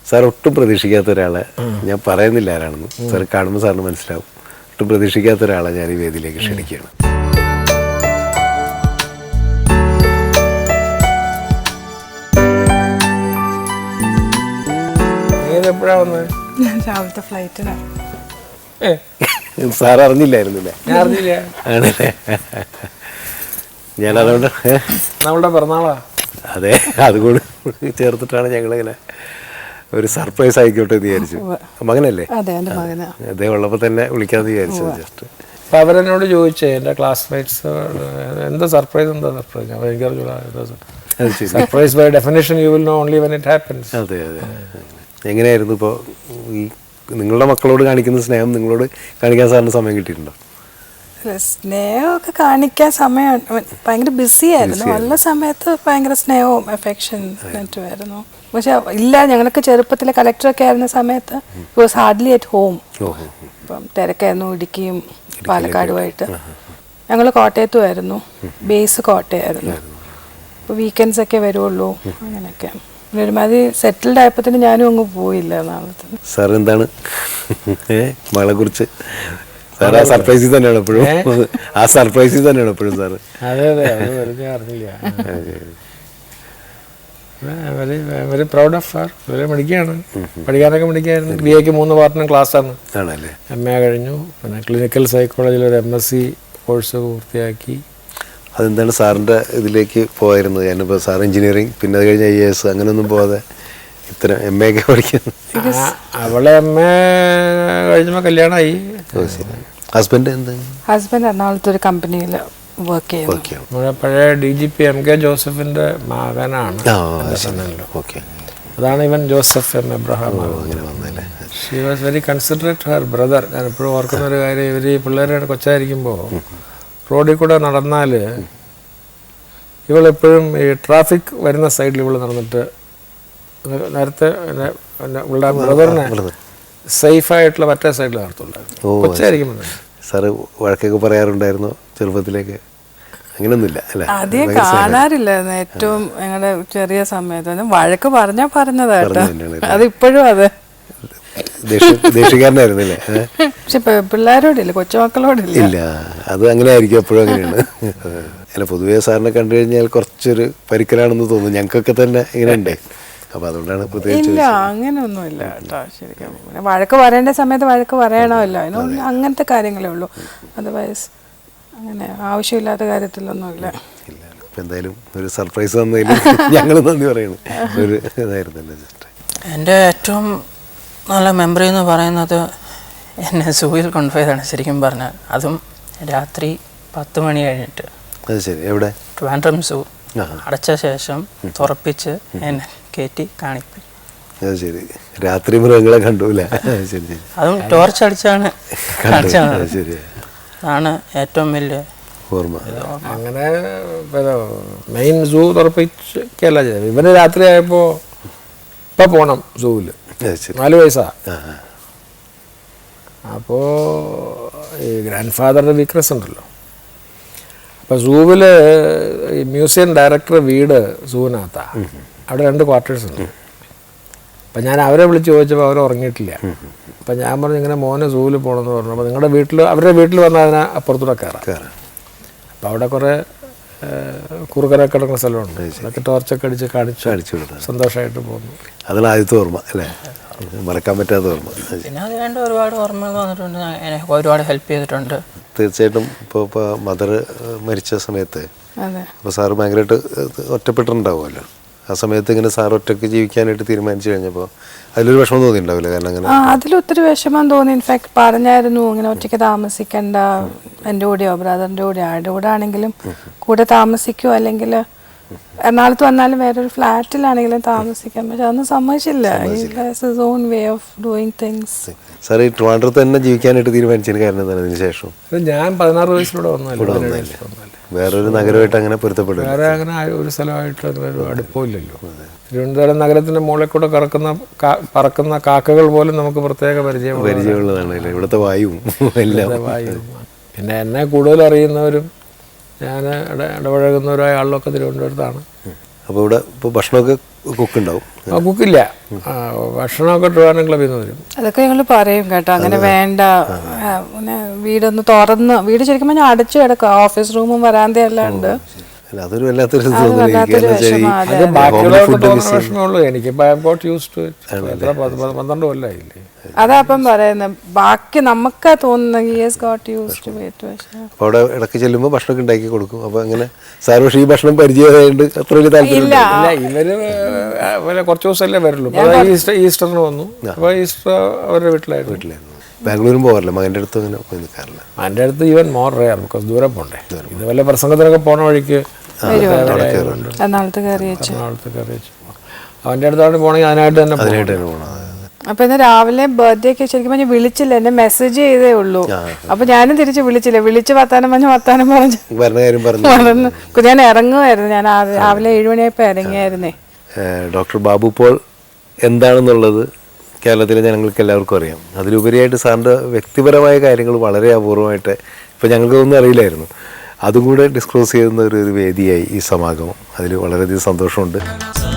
Sir ഒട്ടും പ്രതീക്ഷിക്കാത്ത ഒരാളെ, ഞാൻ പറയുന്നില്ല ആരാണെന്ന്, സാർ കാണുമ്പോൾ സാറിന് മനസ്സിലാവും. ഒട്ടും പ്രതീക്ഷിക്കാത്ത ഒരാളെ ഞാൻ ഈ വേദിയിലേക്ക് ക്ഷണിക്കുകയാണ്. എപ്പോഴാ വന്നത്? രാവിലത്തെ ഫ്ലൈറ്റിനാണ്. സാർ അറിഞ്ഞില്ലായിരുന്നില്ലേ? ആണല്ലേ, ഞാൻ അതുകൊണ്ട് നമ്മളുടെ പിറന്നാളാ. അതെ, അതുകൊണ്ട് ചേർത്തിട്ടാണ് ഞങ്ങളിങ്ങനെ ഒരു സർപ്രൈസ് ആയിക്കോട്ടെ എന്ന് വിചാരിച്ചു. മകനല്ലേ? അദ്ദേഹം ഉള്ളപ്പോൾ തന്നെ വിളിക്കാമെന്ന് വിചാരിച്ചത്. ജസ്റ്റ് അപ്പം അവരെന്നോട് ചോദിച്ചേ എൻ്റെ ക്ലാസ്മേറ്റ്സ് എന്താ സർപ്രൈസ് ഞാൻ എനിക്കറിയില്ല. Surprise by definition you will know only when it happens. അതെ അതെ. എങ്ങനെയായിരുന്നു ഇപ്പോൾ ഈ നിങ്ങളുടെ മക്കളോട് കാണിക്കുന്ന സ്നേഹം നിങ്ങളോട് കാണിക്കാൻ സാറിന് സമയം കിട്ടിയിട്ടുണ്ടോ? സ്നേഹമൊക്കെ കാണിക്കാൻ സമയം ഭയങ്കര ബിസി ആയിരുന്നു. ഉള്ള സമയത്ത് ഭയങ്കര സ്നേഹവും അഫെക്ഷൻ ആയിരുന്നു. പക്ഷെ ഇല്ല, ഞങ്ങൾക്ക് ചെറുപ്പത്തിലെ കളക്ടറൊക്കെ ആയിരുന്ന സമയത്ത് it was hardly at home. ഇപ്പം തിരക്കായിരുന്നു ഇടുക്കിയും പാലക്കാടുമായിട്ട്. ഞങ്ങൾ കോട്ടയത്തുമായിരുന്നു, ബേസ് കോട്ടയമായിരുന്നു. ഇപ്പോൾ വീക്കെൻഡ്സ് ഒക്കെ വരുള്ളൂ. അങ്ങനെയൊക്കെ ഒരുമാതിരി സെറ്റിൽഡ് ആയപ്പോൾ ഞാനും അങ്ങ് പോയില്ല. നാളത്തെ സാർ എന്താണ് മകളെ കുറിച്ച്? സാർ ആ സർപ്രൈസിൽ തന്നെയാണ് എപ്പോഴും, ആ സർപ്രൈസിൽ തന്നെയാണ് എപ്പോഴും സാറ്. അതെ അതെ, അത് വെറുതെ അറിഞ്ഞില്ല. Very proud of sir. വളരെ മിടിക്കുകയാണ്, പഠിക്കാനൊക്കെ മിടിക്കായിരുന്നു. BA 3 പാർട്ടിനും ക്ലാസ്സാണ്. ആണല്ലേ. MA കഴിഞ്ഞു, പിന്നെ ക്ലിനിക്കൽ സൈക്കോളജിയിൽ ഒരു MSc കോഴ്സ് പൂർത്തിയാക്കി. അതെന്താണ് സാറിൻ്റെ ഇതിലേക്ക് പോയിരുന്നത്? ഞാനിപ്പോൾ സാർ എഞ്ചിനീയറിങ്, പിന്നെ അത് കഴിഞ്ഞ് IAS അങ്ങനെയൊന്നും പോകാതെ ഇത്ര MA ഒക്കെ പഠിക്കുന്നു. അവളെ MA കഴിഞ്ഞപ്പോൾ കല്യാണമായി. ഹസ്ബൻഡ് എന്ത്? ഹസ്ബൻഡ് എറണാകുളത്ത് ഒരു കമ്പനിയിൽ വർക്ക് ചെയ്യുന്നു. നമ്മുടെ പഴയ DGP MK ജോസഫിന്റെ മകനാണ്. അതാണ് ഇവൻ Joseph M. Abraham. She was very considerate her brother. ഞാൻ എപ്പോഴും ഓർക്കുന്ന ഒരു കാര്യം, ഇവർ ഈ പിള്ളേരുടെ കൊച്ചായിരിക്കുമ്പോൾ റോഡിൽ കൂടെ നടന്നാൽ ഇവളെപ്പോഴും ഈ ട്രാഫിക് വരുന്ന സൈഡിൽ ഇവൾ നടന്നിട്ട് നേരത്തെ ഇവളുടെ ബ്രദറിനെ സേഫായിട്ടുള്ള മറ്റേ സൈഡിൽ നടത്തുണ്ടായിരുന്നു. കൊച്ചായിരിക്കും. സാറ് വഴക്കൊക്കെ പറയാറുണ്ടായിരുന്നു ചെറുപ്പത്തിലേക്ക്? അങ്ങനെയൊന്നുമില്ല അല്ലേ? ആദ്യം കാണാറില്ലായിരുന്നു. ഏറ്റവും ഞങ്ങളുടെ ചെറിയ സമയത്ത് വഴക്ക് പറഞ്ഞതാട്ടോ. അതിപ്പോഴും അതെ, ദേഷ്യക്കാരനായിരുന്നില്ലേ? പക്ഷെ പിള്ളേരോടില്ല, കൊച്ചുമക്കളോടില്ല. ഇല്ല, അത് അങ്ങനെ ആയിരിക്കും, എപ്പോഴും അങ്ങനെയാണ്. അല്ല, പൊതുവേ സാറിനെ കണ്ടു കഴിഞ്ഞാൽ കുറച്ചൊരു പരിക്കലാണെന്ന് തോന്നുന്നു. ഞങ്ങൾക്കൊക്കെ തന്നെ ഇങ്ങനെ ഉണ്ട്. അപ്പൊ അതുകൊണ്ടാണ് പ്രത്യേകിച്ച്. ഇല്ല, അങ്ങനെയൊന്നുമില്ല കേട്ടോ. ശരിക്കും വഴക്ക് പറയേണ്ട സമയത്ത് വഴക്ക് പറയണമല്ലോ. അതിനൊന്നും അങ്ങനത്തെ കാര്യങ്ങളേ ഉള്ളൂ. അതർവൈസ് അങ്ങനെ ആവശ്യമില്ലാത്ത കാര്യത്തിലൊന്നുമില്ല. ഇല്ല. അപ്പം എന്തായാലും ഒരു സർപ്രൈസ് തന്നതിൽ ഞങ്ങൾ നന്ദി പറയുന്നു. ഒരു ഇതായിരുന്നല്ലോ. ജസ്റ്റ് എൻ്റെ ഏറ്റവും നല്ല മെമ്മറി എന്ന് പറയുന്നത് എന്നെ സൂയിൽ കൊണ്ടുപോയതാണ് ശരിക്കും പറഞ്ഞാൽ. അതും രാത്രി 10 മണി കഴിഞ്ഞിട്ട്. അത് ശരി. എവിടെ? ട്രിവാൻഡ്രം സൂ അടച്ച ശേഷം തുറപ്പിച്ച് എന്നെ കയറ്റി കാണിപ്പി. അത് ശരി. രാത്രി മൃഗങ്ങളെ കണ്ടൂല? ശരി ശരി. അതും ടോർച്ച് അടിച്ചാണ് കാണിച്ചത്. ശരി. അതാണ് ഏറ്റവും വലിയ ഓർമ്മ. അങ്ങനെ മെയിൻ സൂ തുറപ്പിക്കല്ല ചെയ്തത്. ഇവന് രാത്രി ആയപ്പോൾ ഇപ്പം പോകണം സൂവിൽ. 4 വയസ്സാ. അപ്പോൾ ഈ ഗ്രാൻഡ് ഫാദറിൻ്റെ വീക്ക്നെസ് ഉണ്ടല്ലോ. അപ്പോൾ സൂവിൽ ഈ മ്യൂസിയം ഡയറക്ടർ വീട് സൂവിനകത്താണ്. അവിടെ 2 ക്വാർട്ടേഴ്സ് ഉണ്ട്. അപ്പം ഞാൻ അവരെ വിളിച്ച് ചോദിച്ചപ്പോൾ അവർ ഉറങ്ങിയിട്ടില്ല. അപ്പം ഞാൻ പറഞ്ഞു ഇങ്ങനെ മോനെ സൂവിൽ പോകണമെന്ന് പറഞ്ഞു. അപ്പോൾ നിങ്ങളുടെ വീട്ടിൽ, അവരുടെ വീട്ടിൽ വന്നാൽ അതിനെ അപ്പുറത്തൂടെ കയറാം. അപ്പം അവിടെ കുറേ കുറുകരൊക്കെ കിടക്കുന്ന സ്ഥലമുണ്ട്. അതൊക്കെ ടോർച്ചൊക്കെ അടിച്ച് കാണിച്ചു സന്തോഷമായിട്ട് പോകുന്നു. അതാണ് ആദ്യത്തെ ഓർമ്മ അല്ലേ? മറക്കാൻ പറ്റാത്ത ഓർമ്മ. പിന്നെ അത് വേണ്ട ഒരുപാട് ഓർമ്മകൾ വന്നിട്ടുണ്ട്. എനിക്ക് ഒരുപാട് ഹെൽപ്പ് ചെയ്തിട്ടുണ്ട്. തീർച്ചയായിട്ടും. ഇപ്പോൾ മദർ മരിച്ച സമയത്ത് അപ്പോൾ സാറ് ഭയങ്കരമായിട്ട് ഒറ്റപ്പെട്ടിട്ടുണ്ടാവുമല്ലോ. ആ സമയത്ത് ഇങ്ങനെ സാർ ഒറ്റയ്ക്ക് ജീവിക്കാനായിട്ട് തീരുമാനിച്ചു കഴിഞ്ഞപ്പോൾ അതിലൊരു വിഷമം തോന്നിയിട്ടുണ്ടാവില്ല? കാരണം അങ്ങനെ അതിലൊത്തിരി വിഷമം തോന്നി. ഇൻഫാക്ട് പറഞ്ഞായിരുന്നു ഇങ്ങനെ ഒറ്റയ്ക്ക് താമസിക്കണ്ട, എൻ്റെ കൂടെയോ ബ്രദറിൻ്റെ കൂടെയോ ആരുടെ കൂടെ ആണെങ്കിലും കൂടെ താമസിക്കുമോ, അല്ലെങ്കിൽ എറണാകുളത്ത് വന്നാലും വേറൊരു ഫ്ലാറ്റിലാണെങ്കിലും താമസിക്കാം. പക്ഷെ അതൊന്നും സമ്മതിച്ചില്ല. His own way of doing things. Sir ഈ ട്രിവാൻഡ്രത്ത് തന്നെ ജീവിക്കാനായിട്ട് തീരുമാനിച്ചതിന് കാരണം എന്താണ്? അതിന് ശേഷം ഞാൻ 16 വയസ്സിലൂടെ വന്നല്ലേ. വേറൊരു നഗരമായിട്ട് അങ്ങനെ പൊരുത്തപ്പെടും. വേറെ അങ്ങനെ ഒരു സ്ഥലമായിട്ട് അങ്ങനെ ഒരു അടുപ്പമില്ലല്ലോ. തിരുവനന്തപുരം നഗരത്തിന്റെ മുകളിൽ കൂടെ പറക്കുന്ന കാക്കകൾ പോലും നമുക്ക് പ്രത്യേക പരിചയമുള്ളതാണ്. ഇവിടുത്തെ വായുവും എല്ലാം. പിന്നെ എന്നെ കൂടുതൽ അറിയുന്നവരും ഞാൻ ഇടപഴകുന്നവരായ ആളിലൊക്കെ തിരുവനന്തപുരത്താണ്. അപ്പോൾ ഇവിടെ ഇപ്പോൾ ഭക്ഷണമൊക്കെ കുക്കുണ്ടാവും. കുക്കില്ല, ഭക്ഷണമൊക്കെ ട്രിവാൻഡ്രം ക്ലബ്ബിൽ നിന്ന് വരും. അതൊക്കെ ഞങ്ങൾ പറയും കേട്ടോ, അങ്ങനെ വേണ്ട, പിന്നെ വീടൊന്ന് തുറന്ന്, വീട് ശരിക്കും പറഞ്ഞാൽ അടച്ചു കിടക്കുക, ഓഫീസ് റൂമും വരാന്തയെല്ലാം ഉണ്ട്. അതൊരു വല്ലാത്തൊരു വല്ലാത്തൊരു വിഷമം. അത് ബാക്കിയുള്ളവർക്ക് തോന്നുന്ന വിഷമേ ഉള്ളൂ. എനിക്ക് 12 കൊല്ലമായില്ലേ. അതാ അപ്പം പറയുന്നത്, ബാക്കി നമുക്ക് തോന്നുന്ന അവിടെ ഇടയ്ക്ക് ചെല്ലുമ്പോൾ ഭക്ഷണമൊക്കെ ഉണ്ടാക്കി കൊടുക്കും. അപ്പൊ അങ്ങനെ സാർ പക്ഷേ ഈ ഭക്ഷണം പരിചയമായതുകൊണ്ട് അത്ര വലിയ താല്പര്യം ഇല്ല. ഇവര് കുറച്ച് ദിവസമല്ലേ വരുള്ളൂ. ഈസ്റ്ററിന് വന്നു. അപ്പോൾ ഈസ്റ്റർ അവരുടെ വീട്ടിലായിരുന്നു. ബാംഗ്ലൂരും പോകാറില്ല, മകൻ്റെ അടുത്ത് അങ്ങനെ പോയി നിൽക്കാറില്ല. എൻ്റെ അടുത്ത് ഈവൻ മോർ റെയർ, ബിക്കോസ് ദൂരെ പോകണ്ടേ. ഇത് വല്ല പ്രസംഗത്തിനൊക്കെ പോണ വഴിക്ക് എറണാകുളത്ത് കയറി വെച്ചു. അവൻ്റെ അടുത്താണ് പോണെങ്കിൽ അതിനായിട്ട് തന്നെ പോകണം. അപ്പൊ ഇന്ന് രാവിലെ ബർത്ത്ഡേക്ക് ശരിക്കും പറഞ്ഞാൽ വിളിച്ചില്ല, എന്നെ മെസ്സേജ് ചെയ്തേ ഉള്ളൂ. അപ്പൊ ഞാനും തിരിച്ച് വിളിച്ചില്ല, വിളിച്ച് വർത്താനം പറഞ്ഞു മറന്നു. ഞാൻ ഇറങ്ങുമായിരുന്നു, ഞാൻ രാവിലെ 7 മണിയായപ്പോൾ ഇറങ്ങിയായിരുന്നേ. ഡോക്ടർ ബാബു പോൾ എന്താണെന്നുള്ളത് കേരളത്തിലെ ജനങ്ങൾക്ക് എല്ലാവർക്കും അറിയാം. അതിലുപരിയായിട്ട് സാറിൻ്റെ വ്യക്തിപരമായ കാര്യങ്ങൾ വളരെ അപൂർവമായിട്ട് ഇപ്പോൾ ഞങ്ങൾക്കൊന്നും അറിയില്ലായിരുന്നു. അതും കൂടെ ഡിസ്ക്ലോസ് ചെയ്യുന്ന ഒരു വേദിയായി ഈ സമാഗമം. അതിൽ വളരെയധികം സന്തോഷമുണ്ട്.